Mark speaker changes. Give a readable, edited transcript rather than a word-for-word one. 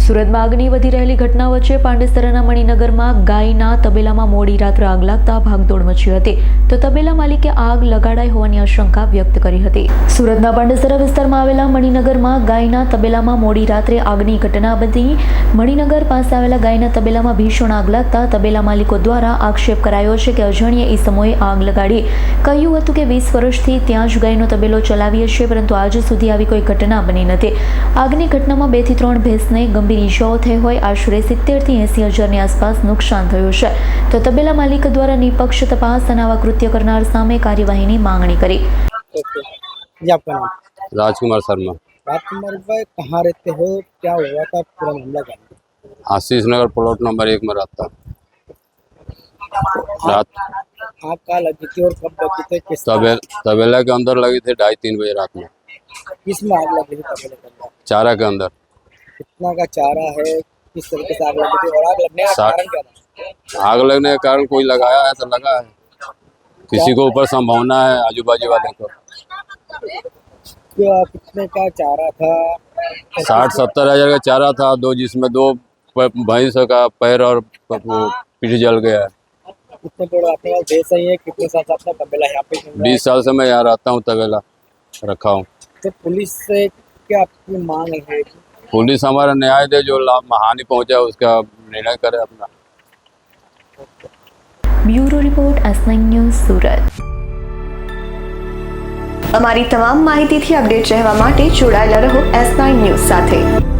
Speaker 1: સુરતમાં આગની વધી રહેલી ઘટના વચ્ચે પાંડેસરાના મણિનગરમાં ગાયના તબેલામાં મોડી રાત્રે આગ લાગતા ભાગદોડ મચી હતી, તો તબેલા માલિકે આગ લગાડાઈ હોવાની આશંકા વ્યક્ત કરી હતી। સુરતના પાંડેસરા વિસ્તારમાં આવેલા મણિનગરમાં ગાયના તબેલામાં મોડી રાત્રે આગની ઘટના બની। મણિનગર પાસે આવેલા ગાયના તબેલામાં ભીષણ આગ લાગતા તબેલા માલિકો દ્વારા આક્ષેપ કરાયો છે કે અજાણ્યા ઈસમોએ આગ લગાડી કહ્યું હતું કે 20 વર્ષથી ત્યાં જ ગાયનો તબેલો ચલાવીએ છીએ, પરંતુ આજ સુધી આવી કોઈ ઘટના બની નથી। આગની ઘટનામાં 2 થી 3 ભેંસને ગંભીર ઈજાઓ થઈ હોય, આશરે 70 થી 80 હજારની આસપાસ નુકસાન થયું છે, તો તબેલા માલિક દ્વારા નિષ્પક્ષ તપાસ અને આવા કૃત્ય કરનાર સામે કાર્યવાહીની માંગણી કરી।
Speaker 2: आपका नाम?
Speaker 3: राजकुमार शर्मा।
Speaker 2: राजकुमार भाई, कहाँ रहते हो, क्या हुआ था, पूरा मामला क्या?
Speaker 3: आशीष नगर प्लॉट नंबर 1 में रहता। रात
Speaker 2: आग कहाँ लगी थी और कब लगी थी, किस
Speaker 3: तबेला के अंदर लगी थी 2:30-3 बजे रात में।
Speaker 2: किस में आग लगी थी तबेले के अंदर?
Speaker 3: चारा के अंदर।
Speaker 2: कितना का चारा है, किस तरीके से आग लगी थी और आग लगने का कारण क्या था?
Speaker 3: आग लगने के कारण कोई लगाया है तो लगा है, किसी को ऊपर संभावना है आजू बाजू वाले को।
Speaker 2: कितने का चारा था?
Speaker 3: 60-70 हजार का चारा था, जिसमें 2 भैंस का पैर और पीठ जल गया है।
Speaker 2: कितने बड़ा आपके पास भैंस है, कितने साल से आपका तबेला यहाँ पे?
Speaker 3: 20 साल से मैं यहाँ रहता हूँ, तबेला रखा हूँ।
Speaker 2: तो पुलिस से क्या आपकी मांग है?
Speaker 3: पुलिस हमारा न्याय दे, जो हानि पहुँचा उसका निर्णय करे अपना।
Speaker 1: Bureau report S9 news Surat.
Speaker 4: અમારી તમામ માહિતીથી અપડેટ રહેવા માટે જોડાયેલા રહો S9 ન્યૂઝ સાથે।